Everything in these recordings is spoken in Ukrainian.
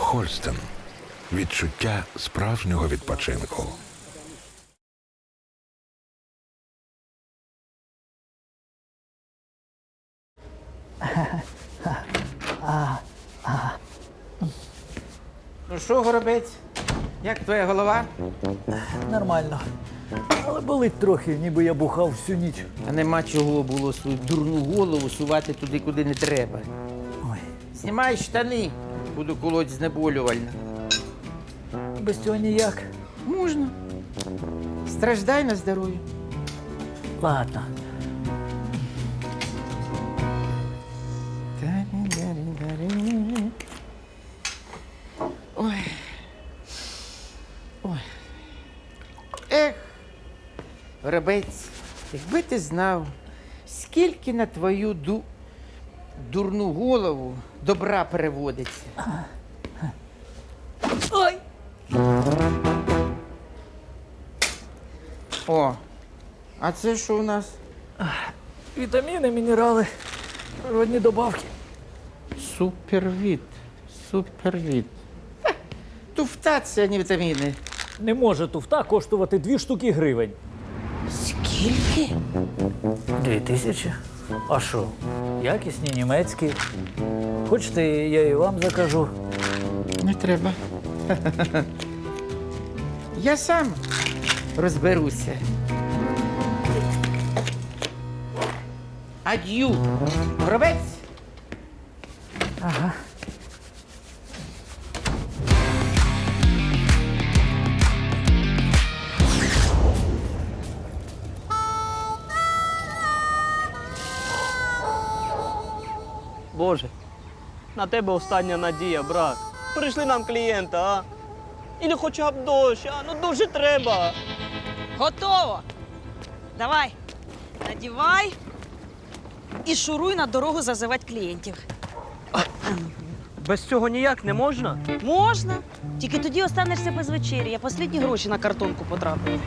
Хольстен. Відчуття справжнього відпочинку. Ну що, Горобець, як твоя голова? Нормально. Але болить трохи, ніби я бухав всю ніч. Та нема чого було свою дурну голову сувати туди, куди не треба. Ой, Знімай штани, буду колоть знеболювально. без цього ніяк. Можна. Страждай на здоров'я. Ладно. Ой. Ой. Ех, Горобець, якби ти знав, скільки на твою дурну голову добра переводиться. Ой! О, а це що у нас? Вітаміни, мінерали, природні добавки. Супервіт. Супервіт. Туфта це, а не вітаміни. Не може туфта коштувати 2 штуки гривень. Скільки? 2000. А що? Якісні, німецькі. Хочете, я і вам закажу. Не треба. Я сам розберуся. Ад'ю. Горобець. Ага. Боже, на тебе остання надія, брат. Прийшли нам клієнта, а? Или хоча б дощ, а? Ну дуже треба. Готово. Давай, надівай і шуруй на дорогу зазивати клієнтів. Без цього ніяк не можна? Можна. Тільки тоді останешся без вечері. Я останні гроші на картонку потрапила.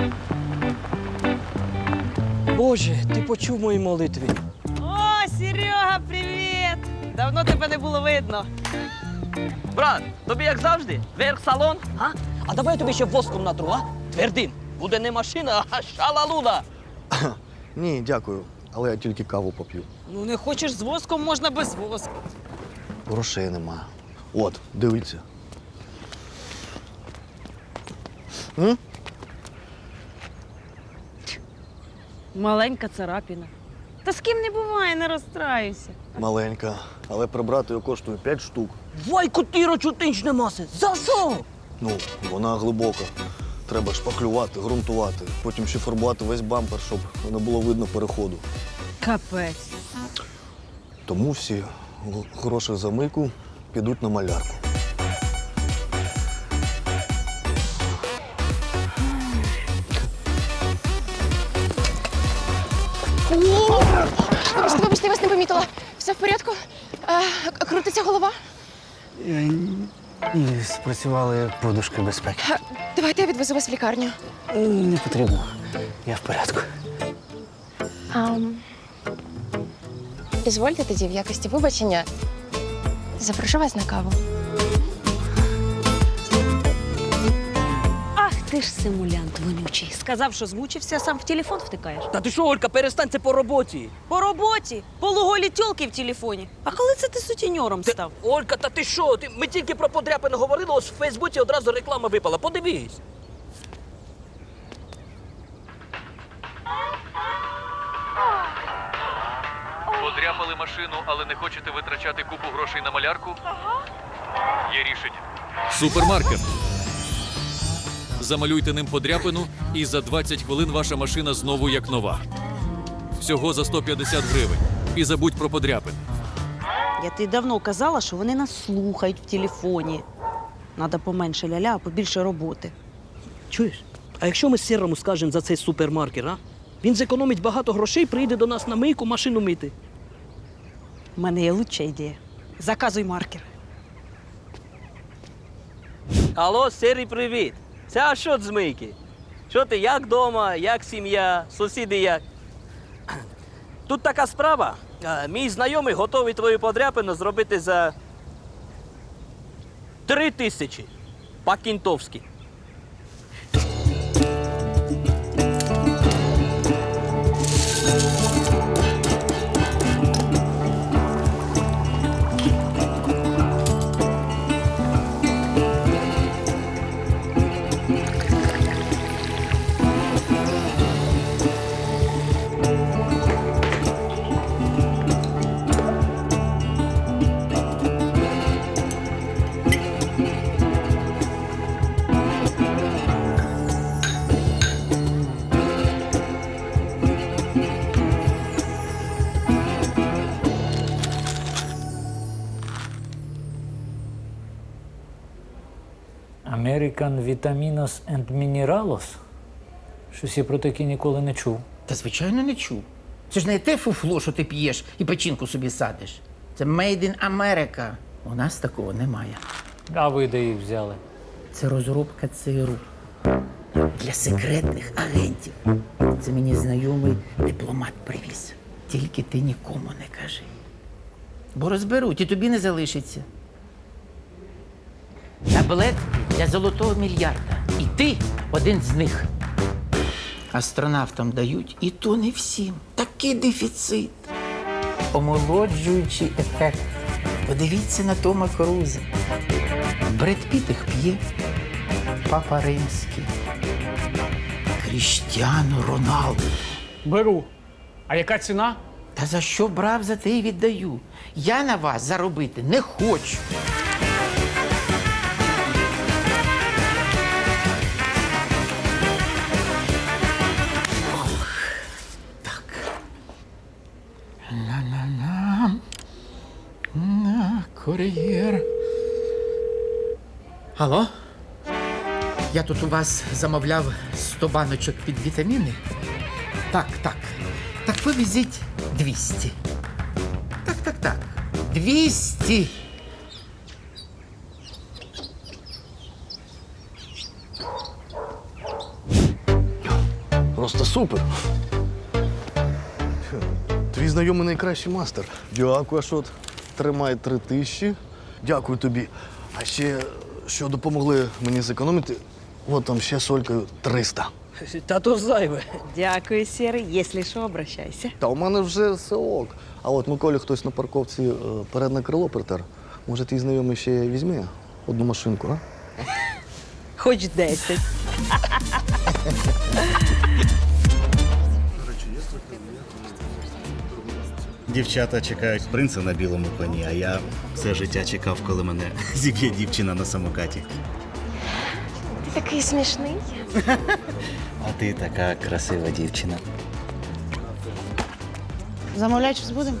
Боже, ти почув мої молитви. О, Серега, привіт! Давно тебе не було видно. Брат, тобі як завжди, верх салон, а? А давай я тобі ще воском натру, а? Твердим. Буде не машина, а шалалуда. Ні, дякую, але я тільки каву поп'ю. Ну, не хочеш з воском, можна без воску. Грошей нема. От, дивіться. Маленька царапіна. Та з ким не буває, не розстраюйся. Маленька, але прибрати її коштує 5 штук. Вай, котиро, чутинчне маси. За що? Ну, вона глибока. Треба шпаклювати, ґрунтувати, потім ще фарбувати весь бампер, щоб не було видно переходу. Капець. Тому всі гроші за мийку підуть на малярку. Вибачте, я вас не помітила. Все в порядку? Крутиться голова? Ні, спрацювали подушки безпеки. Давайте я відвезу вас в лікарню. Не потрібно. Я в порядку. Дозвольте тоді в якості вибачення. Запрошу вас на каву. Ах, ти ж симулянт вонючий. Сказав, що змучився, а сам в телефон втикаєш. Та ти що, Олька, перестань, це по роботі. По роботі, полуголі тьолки в телефоні. А коли це ти сутіньором став? Олька, та ти що? Ми тільки про подряпини говорили, ось в Фейсбуці одразу реклама випала. Подивись. Подряпали машину, але не хочете витрачати купу грошей на малярку? Є рішення. Супермаркет. Замалюйте ним подряпину, і за 20 хвилин ваша машина знову як нова. Всього за 150 гривень. І забудь про подряпини. Я тобі давно казала, що вони нас слухають в телефоні. Надо поменше ля-ля, а побільше роботи. Чуєш? А якщо ми Сірому скажемо за цей супермаркет, а? Він зекономить багато грошей, прийде до нас на мийку машину мити. У мене є лучша ідея. Заказуй маркер. Алло, Сірий, привіт. Це Ашот з мийки. Що ти, як дома, як сім'я, сусіди як? Тут така справа. Мій знайомий готовий твою подряпину зробити за 3000. По-кінтовськи. American Vitaminos and Mineralos? Щось я про таке ніколи не чув. Та звичайно не чув. Це ж не те фуфло, що ти п'єш і печінку собі садиш. Це Made in America. У нас такого немає. А ви де їх взяли? Це розробка ЦРУ для секретних агентів. Це мені знайомий дипломат привіз. Тільки ти нікому не кажи. Бо розберуть і тобі не залишиться. Таблетки для золотого мільярда. І ти один з них. Астронавтам дають, і то не всім. Такий дефіцит. Омолоджуючий ефект. Подивіться на Тома Круза. Бред Піт їх п'є. Папа Римський. Кріштіану Роналду. Беру. А яка ціна? Та за що брав, за те й віддаю. Я на вас заробити не хочу. Ох, так. Ла-ла-ла. На, кур'єр. Алло? Я тут у вас замовляв 100 баночок під вітаміни. Так. Так повезіть 200. Так. 200. Просто супер. Твій знайомий найкращий мастер. Дякую, Ашот. Тримай 3000. Дякую тобі. А ще, що допомогли мені зекономити, от там ще солькою 300. Та то зайве. Дякую, Сірий. Якщо що, обращайся. Та у мене вже все ок. А от Миколі хтось на парковці передне крило притер. Може, твій знайомий ще візьме одну машинку, а? Хоч 10. Дівчата чекають принца на білому коні, а я все життя чекав, коли мене зіб'є дівчина на самокаті. Ти такий смішний. А ти така красива дівчина. Замовляй, щось будемо?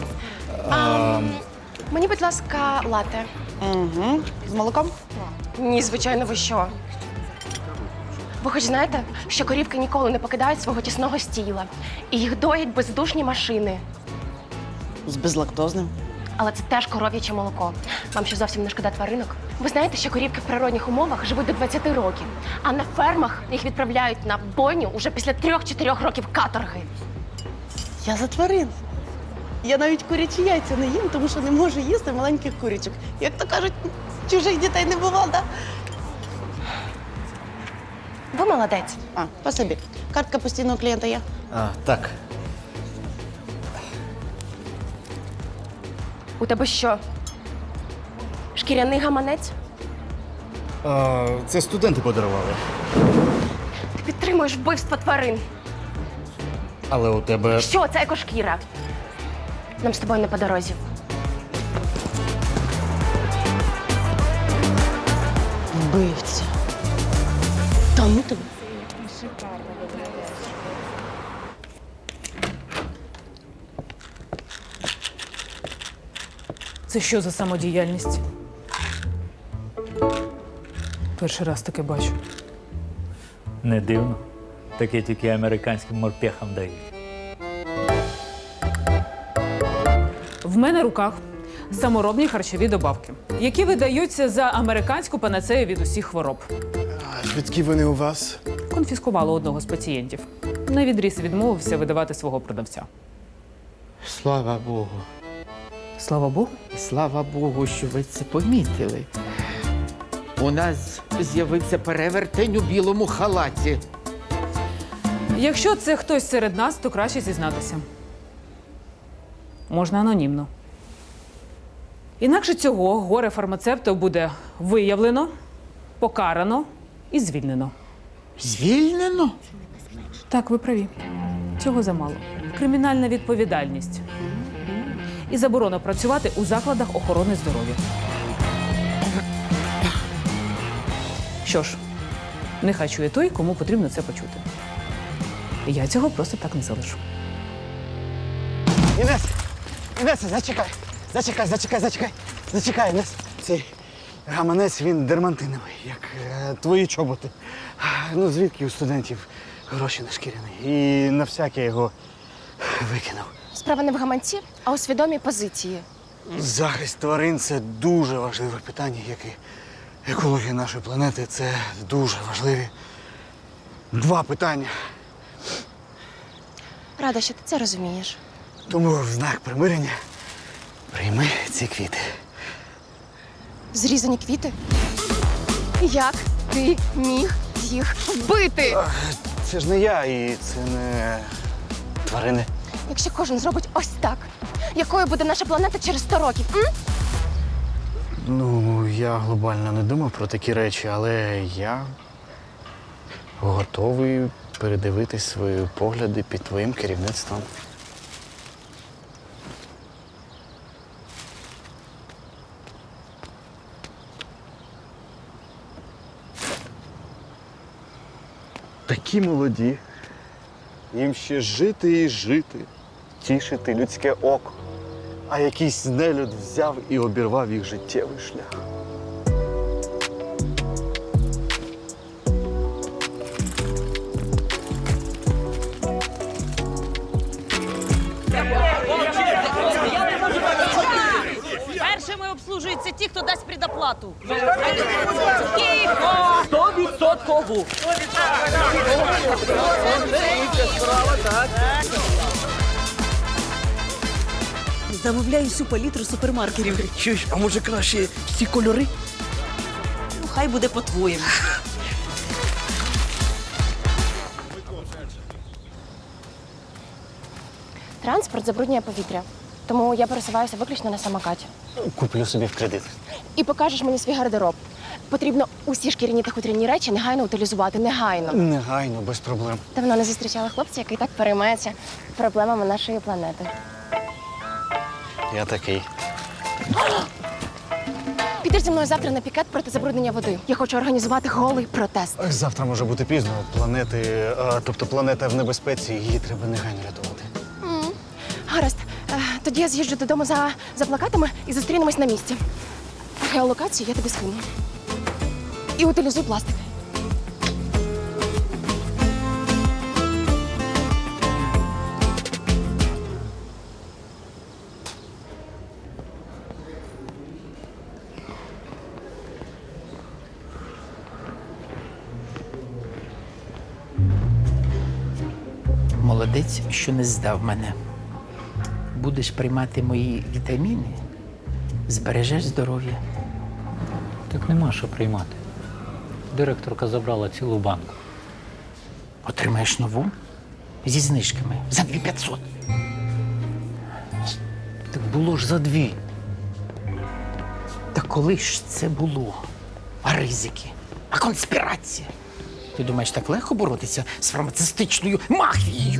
Мені, будь ласка, лате. Угу. З молоком? Ні, звичайно, ви що? Ви хоч знаєте, що корівки ніколи не покидають свого тісного стіла. І їх доять бездушні машини. З безлактозним. Але це теж коров'яче молоко. Вам що зовсім не шкода тваринок? Ви знаєте, що корівки в природних умовах живуть до 20 років, а на фермах їх відправляють на бойню уже після 3-4 років каторги. Я за тварин. Я навіть курячі яйця не їм, тому що не можу їсти маленьких курячок. Як то кажуть, чужих дітей не бувало, да? Ви молодець. А, спасибі. Картка постійного клієнта є? Так. У тебе що? Шкіряний гаманець? Це студенти подарували. Ти підтримуєш вбивство тварин. Але у тебе. Що це екошкіра? Нам з тобою не по дорозі. Вбивця. Та ну тебе. Це що за самодіяльність? Перший раз таке бачу. Не дивно. Таке тільки американським морпехам дають. В мене в руках саморобні харчові добавки, які видаються за американську панацею від усіх хвороб. А звідки вони у вас? Конфіскували одного з пацієнтів. На відріз відмовився видавати свого продавця. Слава Богу. Слава Богу. Слава Богу, що ви це помітили. У нас з'явився перевертень у білому халаті. Якщо це хтось серед нас, то краще зізнатися. Можна анонімно. Інакше цього горе-фармацевта буде виявлено, покарано і звільнено. Звільнено? Так, ви праві. Цього замало. Кримінальна відповідальність. І заборона працювати у закладах охорони здоров'я. Що ж, нехай чує той, кому потрібно це почути. Я цього просто так не залишу. Інеса, зачекай, Інес. Цей гаманець, він дермантиновий, як твої чоботи. Ну, звідки у студентів гроші на шкіряний? І на всяке його викинув. Справа не в гаманці, а у свідомій позиції. Захист тварин – це дуже важливе питання, як і екологія нашої планети. Це дуже важливі два питання. Рада, що ти це розумієш. Тому в знак примирення прийми ці квіти. Зрізані квіти? Як ти міг їх вбити? Це ж не я і це не тварини. Якщо кожен зробить ось так, якою буде наша планета через 100 років? Ну, я глобально не думав про такі речі, але я готовий передивитись свої погляди під твоїм керівництвом. Такі молоді. Їм ще жити і жити, тішити людське око. А якийсь нелюд взяв і обірвав їх життєвий шлях. Першими обслужуються ті, хто дасть предоплату. Тихо! 100%! Замовляю всю палітру супермаркетів. Чуєш, а може краще всі кольори? Ну, хай буде по-твоєму. Транспорт забруднює повітря. Тому я пересуваюся виключно на самокаті. Куплю собі в кредит. І покажеш мені свій гардероб. Потрібно усі шкіряні та хутряні речі негайно утилізувати. Негайно. Негайно, без проблем. Давно не зустрічала хлопця, який так переймається проблемами нашої планети. Я такий. Підеш зі мною завтра на пікет проти забруднення води. Я хочу організувати голий протест. Завтра може бути пізно. Тобто планета в небезпеці, її треба негайно рятувати. Гаразд. Тоді я з'їжджу додому за плакатами і зустрінемось на місці. Геолокацію я тобі скину. І утилізуй пластик. Молодець, що не здав мене. Будеш приймати мої вітаміни, збережеш здоров'я. Так нема що приймати. Директорка забрала цілу банку. Отримаєш нову зі знижками за 2500. Так було ж за 2. Та коли ж це було? А ризики? А конспірація? Ти думаєш, так легко боротися з фармацевтичною мафією?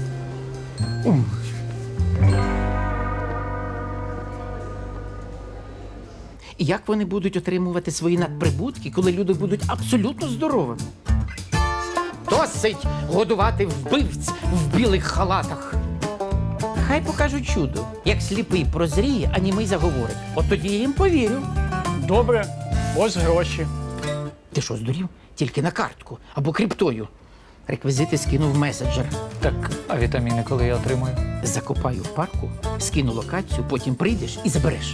І як вони будуть отримувати свої надприбутки, коли люди будуть абсолютно здоровими? Досить годувати вбивць в білих халатах. Хай покажуть чудо. Як сліпий прозріє, а німий заговорить. От тоді я їм повірю. Добре, ось гроші. Ти що, здурів? Тільки на картку або криптою. Реквізити скинув в меседжер. Так, а вітаміни коли я отримую? Закопаю в парку, скину локацію, потім прийдеш і забереш.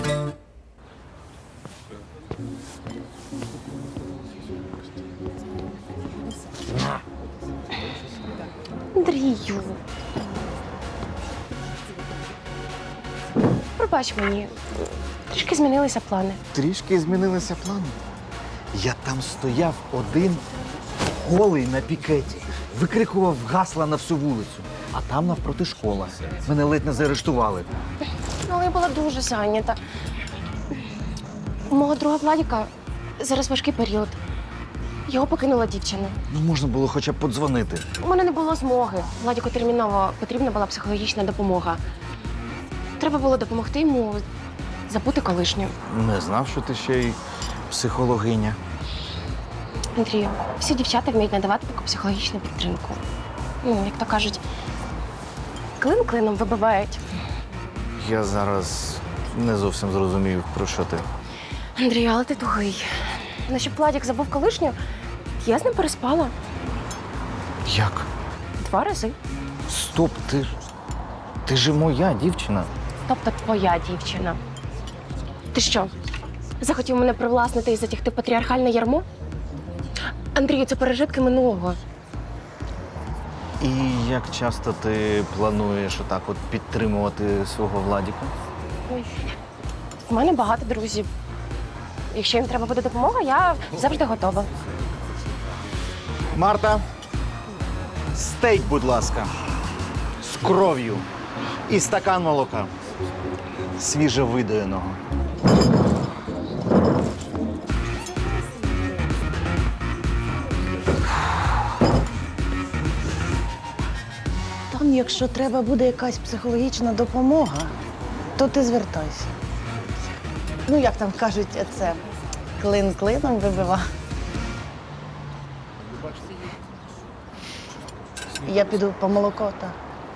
Андрію. Пробач мені. Трішки змінилися плани. Трішки змінилися плани. Я там стояв один голий на пікеті, викрикував гасла на всю вулицю. А там навпроти школа. Мене ледь не заарештували. Ну, але я була дуже зайнята. У мого друга Владіка зараз важкий період. Його покинула дівчина. Ну, можна було хоча б подзвонити. У мене не було змоги. Владіку терміново потрібна була психологічна допомога. Треба було допомогти йому забути колишню. Не знав, що ти ще й психологиня. Андрію, всі дівчата вміють надавати таку психологічну підтримку. Ну, як то кажуть, клин клином вибивають. Я зараз не зовсім зрозумів, про що ти. Андрію, але ти тугий. Ну, щоб Владік забув колишню, я з ним переспала Як? 2 рази. Стоп, ти ж моя дівчина. Тобто твоя дівчина. Ти що, захотів мене привласнити і затягти в патріархальне ярмо? Андрію, це пережитки минулого. І як часто ти плануєш отак от підтримувати свого Владіка? Ой, у мене багато друзів. Якщо їм треба буде допомога, я завжди готова. Марта, стейк, будь ласка, з кров'ю і стакан молока. Свіже видоєного. Там, якщо треба буде якась психологічна допомога, то ти звертайся. Ну, як там кажуть, це клин клином вибива. Я піду по молоко, так.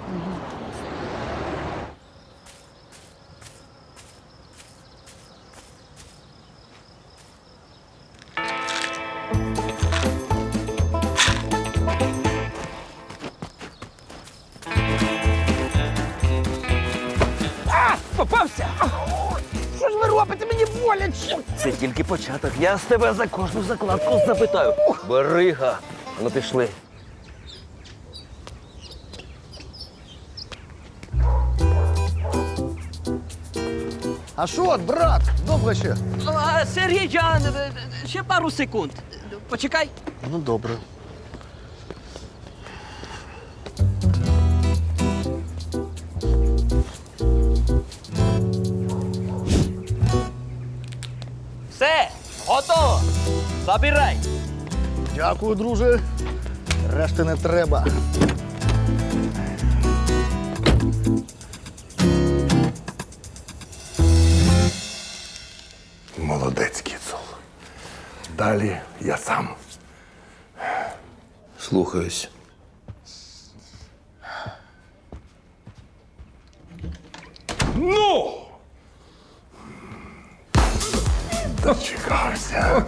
Попався! Що ж ви робите? Мені боляче! Це тільки початок. Я з тебе за кожну закладку запитаю. Берига. Ну пішли. А що, брат, довго ще? Сергій Джан, ще пару секунд. Почекай. Ну, добре. Все, готово. Забирай. Дякую, друже. Решти не треба. Молодець, Кіцул. Далі я сам. Слухаюсь. Ну! Дочекався.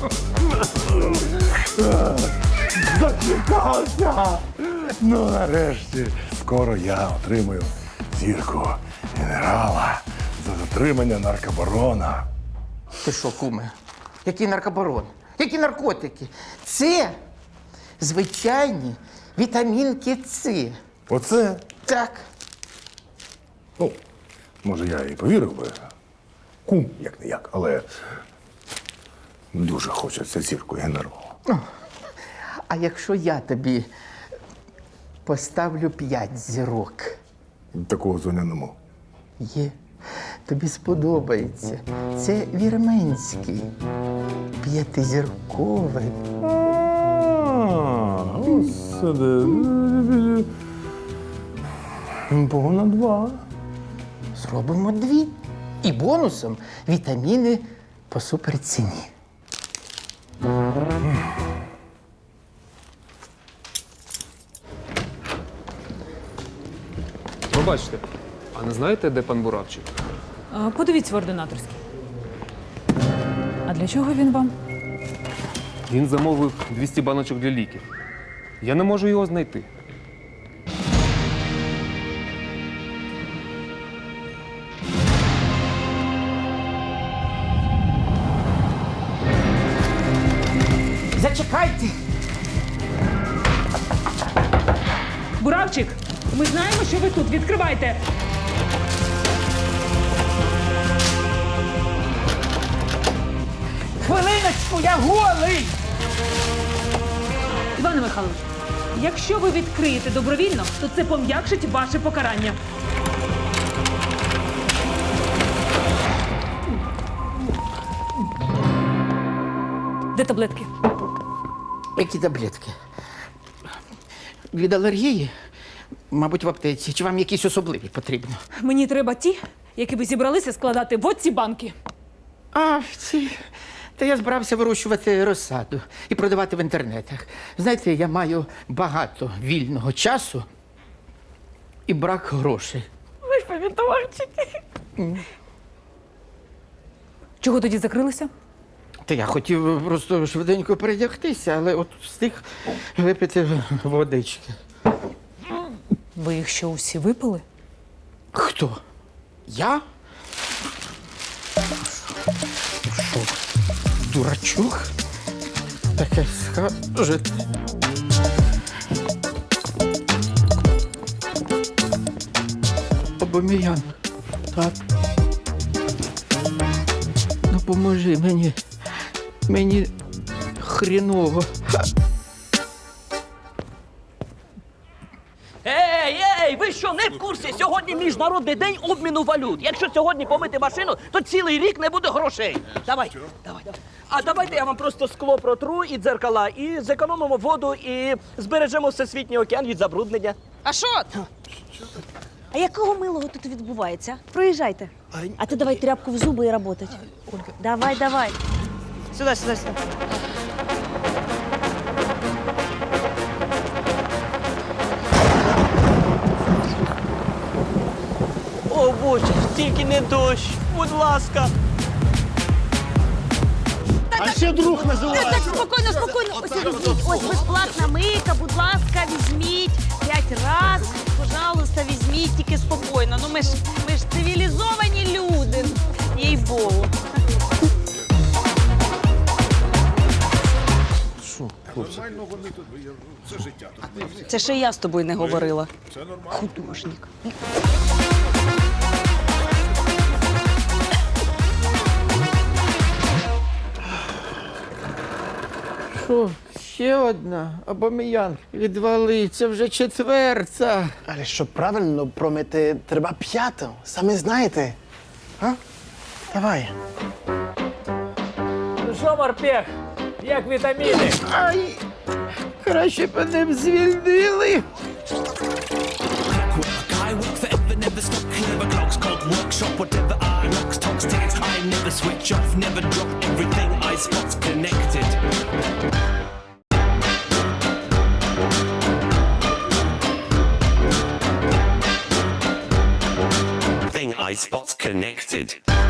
Дочекався. Ну, нарешті, скоро я отримаю зірку генерала за затримання наркобарона. Ти що, куме? Який наркобарон? Які наркотики? Це звичайні вітамінки С. Оце? Так. Ну, може, я і повірив би. Кум, як не як, але дуже хочеться зірку генерала. А якщо я тобі поставлю 5 зірок? Такого зоня нема. Є. Тобі сподобається. Це вірменський. 5-зірковий. Господи. Погона 2. Зробимо 2. І бонусом вітаміни по суперціні. Пробачте, а не знаєте, де пан Буравчик? Подивіться в ординаторській. А для чого він вам? Він замовив 200 баночок для ліків. Я не можу його знайти. Зачекайте! Буравчик, ми знаємо, що ви тут. Відкривайте! Хвилиночку, я голий! Іване Михайлович, якщо ви відкриєте добровільно, то це пом'якшить ваше покарання. Де таблетки? Які таблетки? Від алергії? Мабуть, в аптеці. Чи вам якісь особливі потрібно? Мені треба ті, які ви зібралися складати в оці банки. А, ці. Та я збирався вирощувати розсаду і продавати в інтернетах. Знаєте, я маю багато вільного часу і брак грошей. Ви ж помідорчики. Чого тоді закрилися? Та я хотів просто швиденько передягтися, але от встиг випити водички. Ви їх що, усі випили? Хто? Я? Що? Дурачок? Таке скажете. Обоміян. Так. Допоможи мені. Мені хріново. Ей, ви що, не в курсі? Сьогодні Міжнародний день обміну валют. Якщо сьогодні помити машину, то цілий рік не буде грошей. Давай. А давайте я вам просто скло протру і дзеркала, і зекономимо воду, і збережемо всесвітній океан від забруднення. А що? А якого милого тут відбувається? Проїжджайте. А ти давай тряпку в зуби і работать. Давай. Сюди. О, Боже, тільки не дощ, будь ласка. А ще друг називається. Так, спокійно. Ось візьміть. Ось безплатна мийка, будь ласка, візьміть 5 раз. Пожалуйста, візьміть, тільки спокійно. Ну ми ж цивілізовані люди. Їй-богу. Це ще я з тобою не говорила. Художник. Що? Ще одна? Обоміян. Відвали, це вже четверта. Але щоб правильно промити, треба п'яту. Самі знаєте. А? Давай. Ну що, морпех, як вітаміни? Ай! Краще б мене звільнили. iSpots connected.